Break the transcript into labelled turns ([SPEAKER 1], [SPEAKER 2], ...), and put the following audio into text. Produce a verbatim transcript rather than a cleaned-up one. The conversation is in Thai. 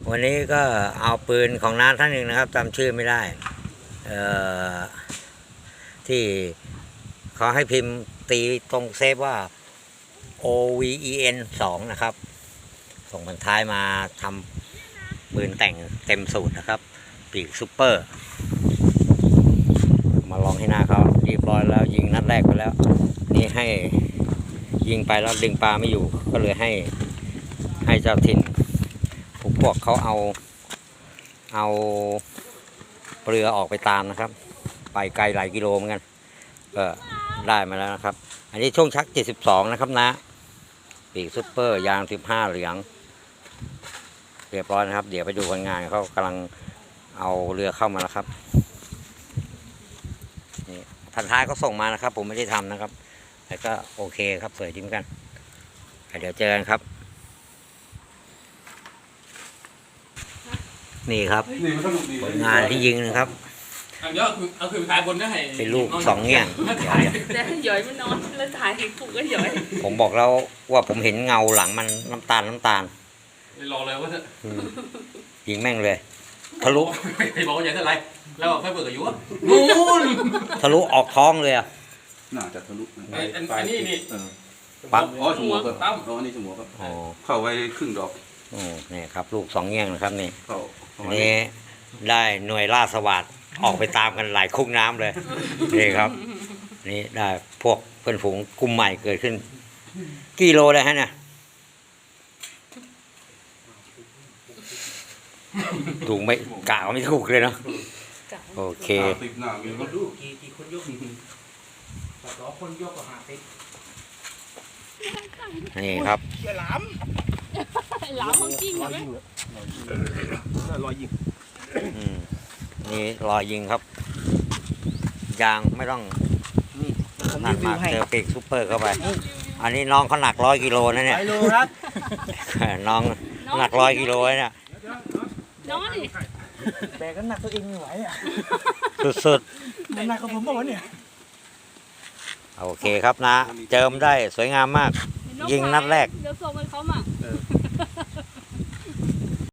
[SPEAKER 1] วันนี้ก็เอาปืนของน้าท่านหนึ่งนะครับจำชื่อไม่ได้ที่เขาให้พิมพ์ตีตรงเซฟว่า โอ วี อี เอ็น สอง นะครับส่งบรรท้ายมาทำปืนแต่งเต็มสูตรนะครับปีกซุปเปอร์มาลองให้หน้าเขาเรียบร้อยแล้วยิงนัดแรกไปแล้วนี่ให้ยิงไปแล้วดึงปลาไม่อยู่ก็เลยให้ให้เจ้าถิ่นพวกเขาเอาเอาเรือออกไปตามนะครับไปไกลหลายกิโลเหมือนกันก็ได้มาแล้วนะครับอันนี้ช่วงชักเจ็ดสิบสองนะครับนะปีกซุปเปอร์ยางสิบห้าเหลืองเรียบร้อยนะครับเดี๋ยวไปดูคนงานเขากำลังเอาเรือเข้ามาแล้วครับนี่พันท้ายก็ส่งมานะครับผมไม่ได้ทำนะครับแต่ก็โอเคครับสวยดีเหมือนกันเดี๋ยวเจอกันครับนี่ครับผลงานที่ยิงนะครับเป็นลูกสองเงี้ย
[SPEAKER 2] แต่หย่อยมันนอนแล้วถ่ายให้ผูกก็หย่อย
[SPEAKER 1] ผมบอกแล้วว่าผมเห็นเงาหลังมันน้ำตาลน้ำตาล
[SPEAKER 3] รอเลยว่า
[SPEAKER 1] ยิงแม่งเลยทะลุ
[SPEAKER 3] ไอ้บอกว่าใหญ่เท่าไรแล้วไฟเปิดกับยูอ่ะนู่น
[SPEAKER 1] ทะลุออกท้องเลยอ่ะ
[SPEAKER 4] น่าจะทะลุ
[SPEAKER 3] อันนี้นี่
[SPEAKER 1] ปั๊บ
[SPEAKER 4] อ๋อสมอครับอ๋ออันนี้สมอครับเข้าไว้ครึ่งดอก
[SPEAKER 1] โอ้นี่ครับลูกสองเงี้ยนะครับนี่นี่ได้หน่วยล่าสวัสดออกไปตามกันหลายคุกน้ำเลยนี่ครับนี่ได้พวกเพื่อนฝูงกลุ่มใหม่เกิดขึ้นกี่โลเลยฮะเนี่ยถูกไม่กะไม่ถูกเลยเนาะโอเคนี่ครับ
[SPEAKER 2] หลามหลามของจริงไหม
[SPEAKER 4] รอยยิง
[SPEAKER 1] นี่รอยยิงครับยางไม่ต้องหนักมากเจอปีกซุปเปอร์เข้าไปอันนี้น้องเขาหนักร้อยกิโลนะเนี่ยน้องหนักร้อยกิโลเนี่ย
[SPEAKER 2] น้องนี่
[SPEAKER 5] แบกกันหนักตัวเองไม่ไหวอ่ะ
[SPEAKER 1] สุด
[SPEAKER 5] ๆหนักกว่าผมบ้างวะเนี่ย
[SPEAKER 1] โอเคครับนะเจิมได้สวยงามมากยิงนัดแรก
[SPEAKER 2] เดี๋ยวส่งให้เขามา